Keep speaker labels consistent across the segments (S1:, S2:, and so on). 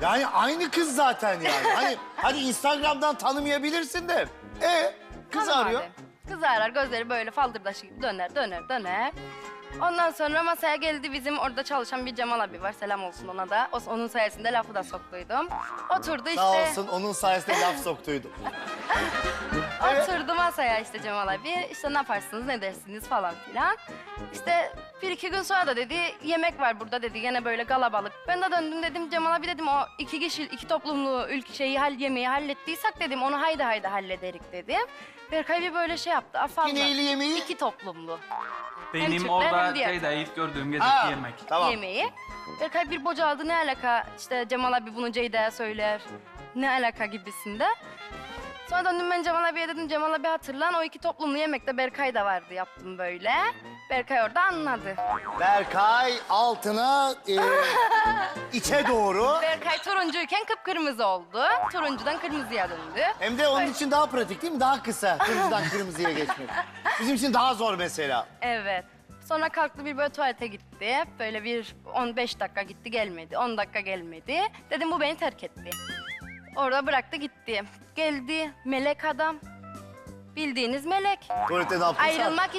S1: Yani aynı kız zaten yani. Hani Instagram'dan tanımayabilirsin de. Kız
S2: Hanım
S1: arıyor.
S2: abi. Kız arar, gözleri böyle faldırdaşı gibi döner. Ondan sonra masaya geldi bizim orada çalışan bir Cemal abi var. Selam olsun ona da. Onun sayesinde lafı da soktuydum. Oturdu işte.
S1: Sağ olsun onun sayesinde laf soktuydu.
S2: Oturdu masaya işte Cemal abi. İşte ne yaparsınız, ne dersiniz falan filan. İşte bir iki gün sonra da dedi yemek var burada dedi. Gene böyle galabalık. Ben de döndüm dedim Cemal abi dedim o iki kişi, iki toplumlu yemeği hallettiysek dedim onu haydi hallederik dedim. Berkay bir böyle şey yaptı. Afalla.
S1: Neyli yemeği?
S2: İki toplumlu.
S3: Benim
S2: Türkler
S3: orada
S2: hem diğer
S3: şeyde ilk gördüğüm geceki
S1: Ha,
S3: yemek.
S1: tamam.
S2: Yemeği. Berkay bir bocaladı ne alaka işte Cemal abi bunu Ceyda'ya söyler. Ne alaka gibisinde. Sonra döndüm ben Cemal abiye dedim Cemal abi hatırlan o iki toplumlu yemekte Berkay da vardı yaptım böyle. Berkay orada anladı.
S1: Berkay altına içe doğru.
S2: Berkay turuncuyken kıpkırmızı oldu. Turuncudan kırmızıya döndü.
S1: Hem de onun için daha pratik değil mi? Daha kısa kırmızıdan kırmızıya geçmek. Bizim için daha zor mesela.
S2: Evet. Sonra kalktı bir böyle tuvalete gitti. Böyle bir 15 dakika gitti gelmedi. 10 dakika gelmedi. Dedim bu beni terk etti. Orada bıraktı gitti. Geldi melek adam. Bildiğiniz melek.
S1: Tuvalette ne yaptın sen?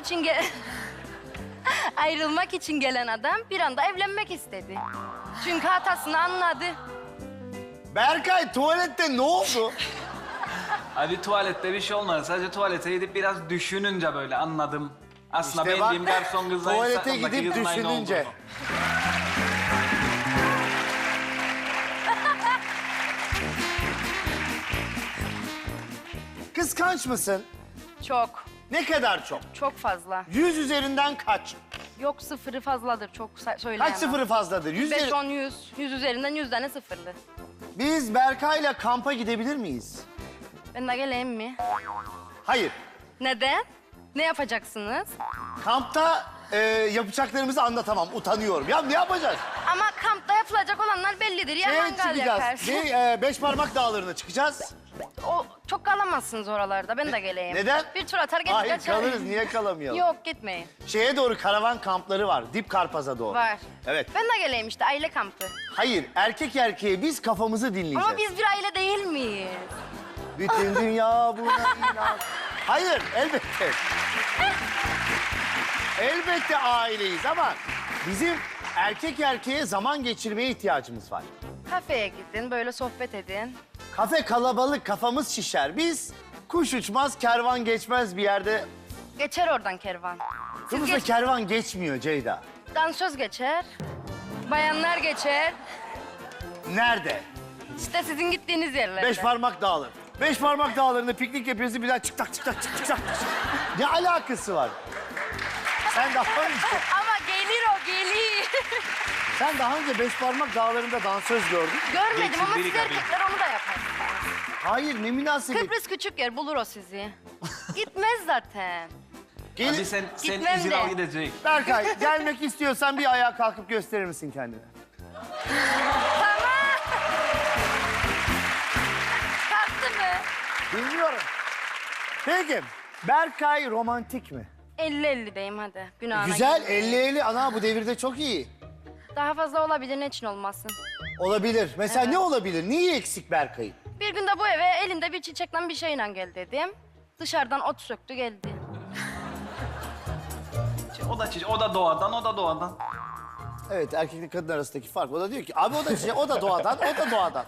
S2: Ayrılmak için gelen adam bir anda evlenmek istedi. Çünkü hatasını anladı.
S1: Berkay tuvalette ne oldu?
S3: Abi tuvalette bir şey olmadı. Sadece tuvalete gidip biraz düşününce böyle anladım. Aslında
S1: İşte bak,
S3: benim garson kızla
S1: tuvalete
S3: Instagram'daki
S1: gidip
S3: kızın aynı
S1: düşününce.
S3: olduğunu.
S1: Kıskanç mısın?
S2: Çok,
S1: Ne kadar çok?
S2: çok fazla.
S1: 100 üzerinden kaç?
S2: Yok sıfırı fazladır çok söyleyemem.
S1: Kaç sıfırı fazladır? 100
S2: 5, 10, 100. 100 üzerinden 100 tane sıfırlı.
S1: Biz Berkay'la kampa gidebilir miyiz?
S2: Ben de geleyim mi?
S1: Hayır.
S2: Neden? Ne yapacaksınız?
S1: Kampta yapacaklarımızı anlatamam. Utanıyorum. Ya ne yapacağız?
S2: Ama kampta yapılacak olanlar bellidir. Ya mangal yakarsın.
S1: Beş parmak dağlarına çıkacağız.
S2: O çok kalamazsınız oralarda. Ben de geleyim.
S1: Neden?
S2: Bir tur atar gelir
S1: Hayır
S2: kaçarım.
S1: kalırız. Niye kalamayalım?
S2: Yok gitmeyin.
S1: Şeye doğru karavan kampları var. Dip Karpaz'a doğru.
S2: Var.
S1: Evet.
S2: Ben de geleyim işte aile kampı.
S1: Hayır erkek erkeğe biz kafamızı dinleyeceğiz.
S2: Ama biz bir aile değil miyiz?
S1: Bütün dünya buna inan. Hayır elbette. Elbette aileyiz ama bizim erkek erkeğe zaman geçirmeye ihtiyacımız var.
S2: Kafeye gidin böyle sohbet edin.
S1: Kafe kalabalık kafamız şişer. Biz kuş uçmaz kervan geçmez bir yerde.
S2: Geçer oradan kervan. Siz
S1: Kıbrıs'ta kervan geçmiyor Ceyda.
S2: dansöz geçer. Bayanlar geçer.
S1: Nerede?
S2: İşte sizin gittiğiniz yerlerde.
S1: Beş parmak dağları. Beş parmak dağlarında piknik yapıyorsun bir daha çık tak. Ne alakası var? Sen daha önce,
S2: Ama gelir o gelir.
S1: sen daha önce beş parmak dağlarında dansöz gördün mü?
S2: Görmedim
S3: Geçin
S2: ama
S3: biri
S2: siz
S3: tabii.
S2: erkekler onu da yapar.
S1: Hayır ne münasebet.
S2: Kıbrıs küçük yer bulur o sizi. Gitmez zaten.
S1: Gelin.
S3: Hadi sen
S2: Gitmem
S3: izin
S2: de.
S3: al gidecek.
S1: Berkay gelmek istiyorsan bir ayağa kalkıp gösterir misin kendini?
S2: Kalktı mı?
S1: Bilmiyorum. Peki Berkay romantik mi?
S2: 50-50'deyim hadi. Günahına
S1: Güzel
S2: girmeyin.
S1: 50-50 ana bu devirde çok iyi.
S2: Daha fazla olabilir ne için olmasın.
S1: Olabilir. Mesela ne olabilir? Neyi eksik Berkay'ın?
S2: Bir gün de bu eve elinde bir çiçekle bir şeyle gel dedim. Dışarıdan ot söktü geldi.
S3: O da doğadan.
S1: Evet erkekle kadın arasındaki fark. O da diyor ki abi o da çiçek, o da doğadan, o da doğadan.